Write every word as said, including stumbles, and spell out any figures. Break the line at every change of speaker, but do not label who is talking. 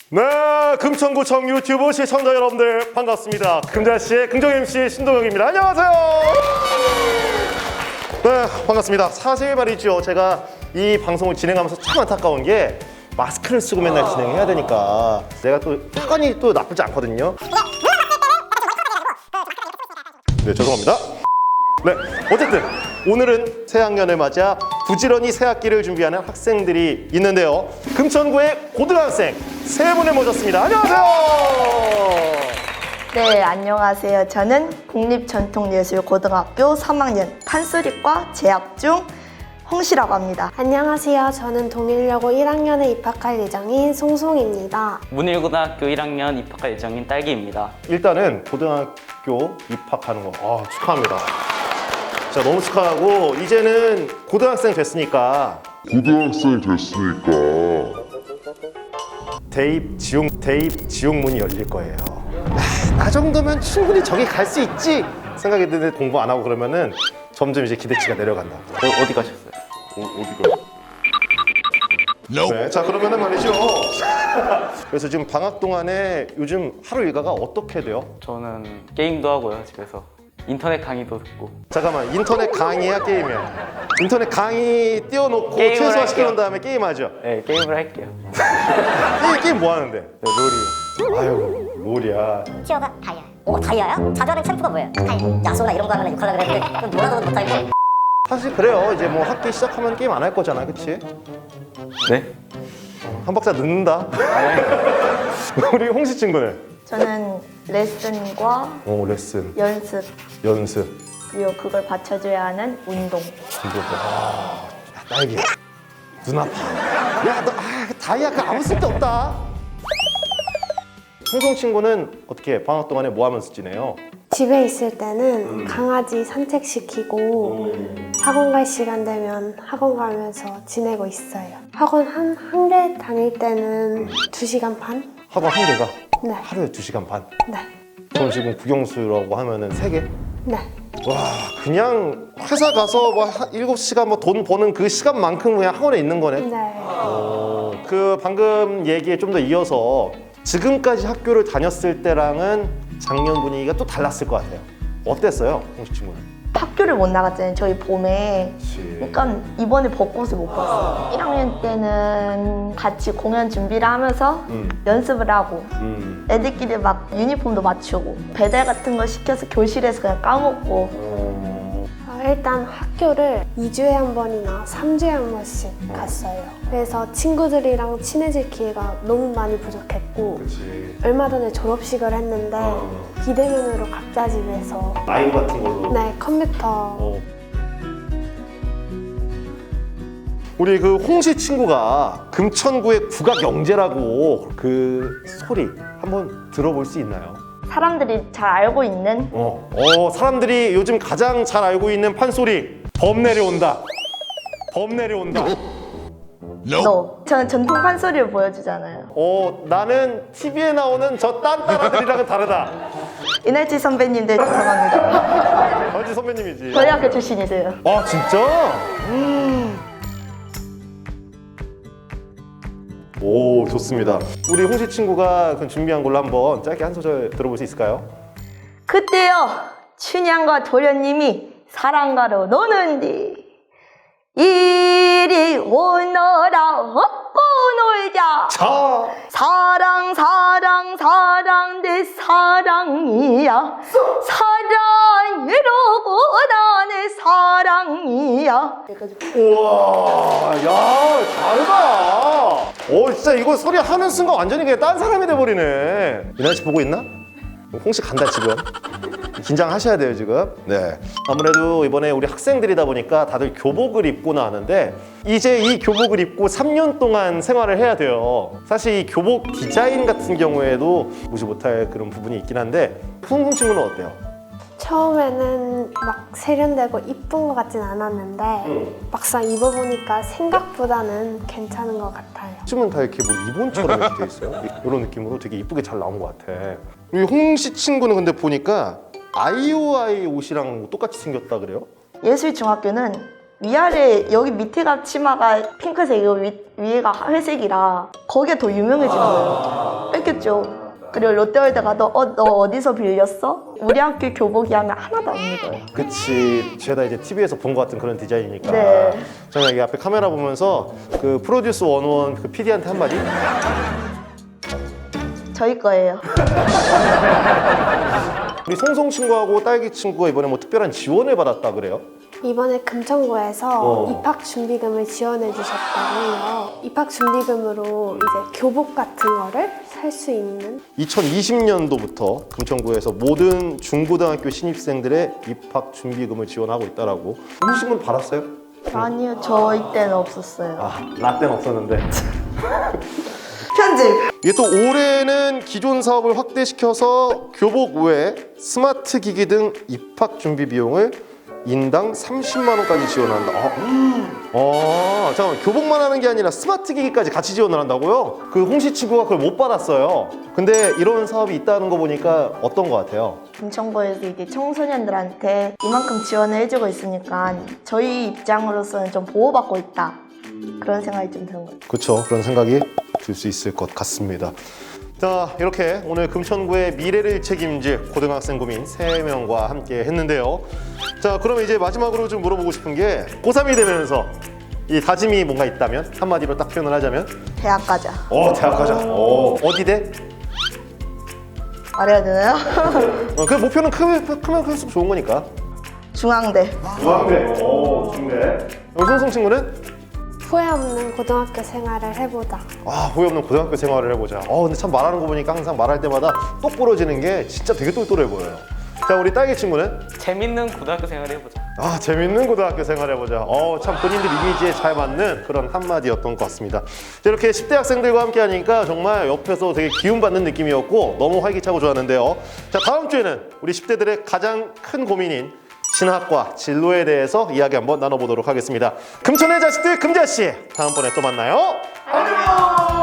네, 금천구청 유튜브 시청자 여러분들 반갑습니다. 금자씨의 긍정 엠씨 신동혁입니다. 안녕하세요. 네, 반갑습니다. 사실 말이죠, 제가 이 방송을 진행하면서 참 안타까운 게 마스크를 쓰고 맨날 진행해야 되니까 내가 또 습관이 또 나쁘지 않거든요. 네, 죄송합니다. 네, 어쨌든 오늘은 새학년을 맞아 부지런히 새학기를 준비하는 학생들이 있는데요. 금천구의 고등학생 세 분을 모셨습니다. 안녕하세요.
네, 안녕하세요. 저는 국립전통예술고등학교 삼 학년 판소리과 재학 중 홍시라고 합니다.
안녕하세요. 저는 동일여고 일 학년에 입학할 예정인 송송입니다.
문일고등학교 일 학년 입학할 예정인 딸기입니다.
일단은 고등학교 입학하는 거 아, 축하합니다. 자, 너무 축하하고 이제는 고등학생 됐으니까
고등학생 됐으니까
대입 지용 대입 지용문이 열릴 거예요. 아, 나 정도면 충분히 저기 갈 수 있지 생각이 드는데 공부 안 하고 그러면은 점점 이제 기대치가 내려간다.
어, 어디 가셨어요?
어, 어디가?
네, 자 그러면은 말이죠. 그래서 지금 방학 동안에 요즘 하루 일과가 어떻게 돼요?
저는 게임도 하고요, 집에서. 인터넷 강의도 듣고.
잠깐만, 인터넷 강의야 게임이야? 인터넷 강의 띄워놓고
게임을
최소화 시켜놓은
할게요.
다음에 게임하죠?
네, 게임을 할게요.
게임, 게임 뭐 하는데?
네, 롤이요.
아유, 롤이야.
티어가 다이아. 오, 다이아야? 자전의 챔프가 뭐예요? 다이아. 야소나 이런 거 하면 욕하려고 그랬는데 그건 놀아도 못하고.
사실 그래요. 이제 뭐 학기 시작하면 게임 안 할 거잖아, 그치?
네?
한 박자 늦는다. 우리 홍시 친구는?
저는 레슨과
어, 레슨,
연습,
연습,
그리고 그걸 받쳐줘야 하는 운동.
이거 뭐. 아, 야, 딸기. 눈 아파. 야, 너, 아, 다이아 그 아무 쓸데 없다. 홍성 친구는 어떻게 방학 동안에 뭐 하면서 지내요?
집에 있을 때는 강아지 산책시키고 학원 갈 시간 되면 학원 가면서 지내고 있어요. 학원 한, 한 개 다닐 때는 두 시간 반?
학원 한 개가
네.
하루에 두 시간 반.
네.
그럼 지금 국영수라고 하면은 세 개?
네.
와, 그냥 회사 가서 뭐 한 일곱 시간 뭐 돈 버는 그 시간만큼 그냥 학원에 있는 거네.
네.
어, 그 방금 얘기에 좀 더 이어서 지금까지 학교를 다녔을 때랑은 작년 분위기가 또 달랐을 것 같아요. 어땠어요, 홍시 친구는?
학교를 못 나갔잖아요, 저희 봄에.
그치.
그러니까 이번에 벚꽃을 못 봤어요. 일 학년 때는 같이 공연 준비를 하면서
음.
연습을 하고
음.
애들끼리 막 유니폼도 맞추고 배달 같은 거 시켜서 교실에서 그냥 까먹고.
어,
어, 일단 학교를 이 주에 한 번이나 삼 주에 한 번씩 갔어요. 그래서 친구들이랑 친해질 기회가 너무 많이 부족했고
그치.
얼마 전에 졸업식을 했는데
어.
비대면으로 각자 집에서
라이브 같은 걸로.
네, 컴퓨터
어. 우리 그 홍시 친구가 금천구의 국악영재라고 그 소리 한번 들어볼 수 있나요?
사람들이 잘 알고 있는
어, 어 사람들이 요즘 가장 잘 알고 있는 판소리 범 내려온다. 범 내려온다.
너. 저는 전통 판소리를 보여주잖아요.
어 나는 티비에 나오는 저 딴따라들이랑은 다르다.
이날치 선배님들 죄송합니다.
강지 선배님이지.
저희 학교 출신이세요.
아 진짜? 음. 오 좋습니다. 우리 홍시 친구가 그 준비한 걸로 한번 짧게 한 소절 들어볼 수 있을까요?
그때요 춘향과 도련님이 사랑가로 노는디 이리 오너라 업고 놀자.
자
사랑 사랑 사랑 내 사랑이야 사랑이로고 나의 사랑이야.
우와 야 다르다. 오 진짜 이거 소리 하는 순간 완전히 그냥 딴 사람이 돼버리네. 이날 씨 보고 있나? 홍시 간다 지금. 긴장하셔야 돼요 지금. 네. 아무래도 이번에 우리 학생들이다 보니까 다들 교복을 입고 나왔는데 이제 이 교복을 입고 삼 년 동안 생활을 해야 돼요. 사실 이 교복 디자인 같은 경우에도 무시 못할 그런 부분이 있긴 한데 홍콩 친구는 어때요?
처음에는 막 세련되고 이쁜 것 같진 않았는데 막상 입어보니까 생각보다는 괜찮은 것 같아요.
요즘은 다 이렇게 뭐 리본처럼 이렇게 돼 있어요. 이런 느낌으로 되게 이쁘게 잘 나온 것 같아. 우리 홍시 친구는 근데 보니까 아이오아이 옷이랑 똑같이 생겼다 그래요?
예술중학교는 위아래 여기 밑에가 치마가 핑크색이고 위, 위에가 회색이라 거기에 더 유명해진 거예요. 좋겠죠. 그리고 롯데월드 가도 어, 너 어디서 빌렸어? 우리 학교 교복이 하면 하나도 안 입어요.
그치. 죄다 이제 티비에서 본 것 같은 그런 디자인이니까.
네.
저는 여기 앞에 카메라 보면서 그 프로듀스 원원 그 피디한테 한마디?
저희 거예요.
우리 송송 친구하고 딸기 친구가 이번에 뭐 특별한 지원을 받았다 그래요?
이번에 금천구에서
어.
입학 준비금을 지원해 주셨다고 해요. 입학 준비금으로 이제 교복 같은 거를 살 수 있는.
이천이십 년도부터 금천구에서 모든 중고등학교 신입생들의 입학 준비금을 지원하고 있다라고. 혹시 분 받았어요?
아니요, 저희 때는 없었어요.
아, 나 때는 없었는데.
편집!
이게 또 올해는 기존 사업을 확대시켜서 교복 외에 스마트 기기 등 입학 준비 비용을 인당 삼십만 원까지 지원한다. 아, 아, 잠깐만, 교복만 하는 게 아니라 스마트 기기까지 같이 지원을 한다고요? 그 홍시 친구가 그걸 못 받았어요. 근데 이런 사업이 있다는 거 보니까 어떤 거 같아요?
금천구에서 이게 청소년들한테 이만큼 지원을 해주고 있으니까 저희 입장으로서는 좀 보호받고 있다. 그런 생각이 좀 드는 것 같아요.
그렇죠. 그런 생각이 들 수 있을 것 같습니다. 자, 이렇게 오늘 금천구의 미래를 책임질 고등학생 고민 세 명과 함께 했는데요. 자, 그럼 이제 마지막으로 좀 물어보고 싶은 게 고삼이 되면서 이 다짐이 뭔가 있다면 한마디로 딱 표현을 하자면?
대학 가자.
어, 대학 가자. 어, 어디 대?
말해야 되나요?
어, 그 목표는 크면, 크면 클수록 좋은 거니까.
중앙대.
중앙대. 오, 중대. 송송 친구는?
후회 없는 고등학교 생활을 해보자.
아, 후회 없는 고등학교 생활을 해보자. 어, 근데 참 말하는 거 보니까 항상 말할 때마다 똑 부러지는 게 진짜 되게 똘똘해 보여요. 자, 우리 딸기 친구는?
재밌는 고등학교 생활을 해보자.
아, 재밌는 고등학교 생활 해보자. 어, 참 본인들 이미지에 잘 맞는 그런 한마디였던 것 같습니다. 자, 이렇게 십 대 학생들과 함께 하니까 정말 옆에서 되게 기운받는 느낌이었고 너무 활기차고 좋았는데요. 자, 다음 주에는 우리 십 대들의 가장 큰 고민인 신학과 진로에 대해서 이야기 한번 나눠보도록 하겠습니다. 금천의 자식들 금자씨, 다음번에 또 만나요. 안녕.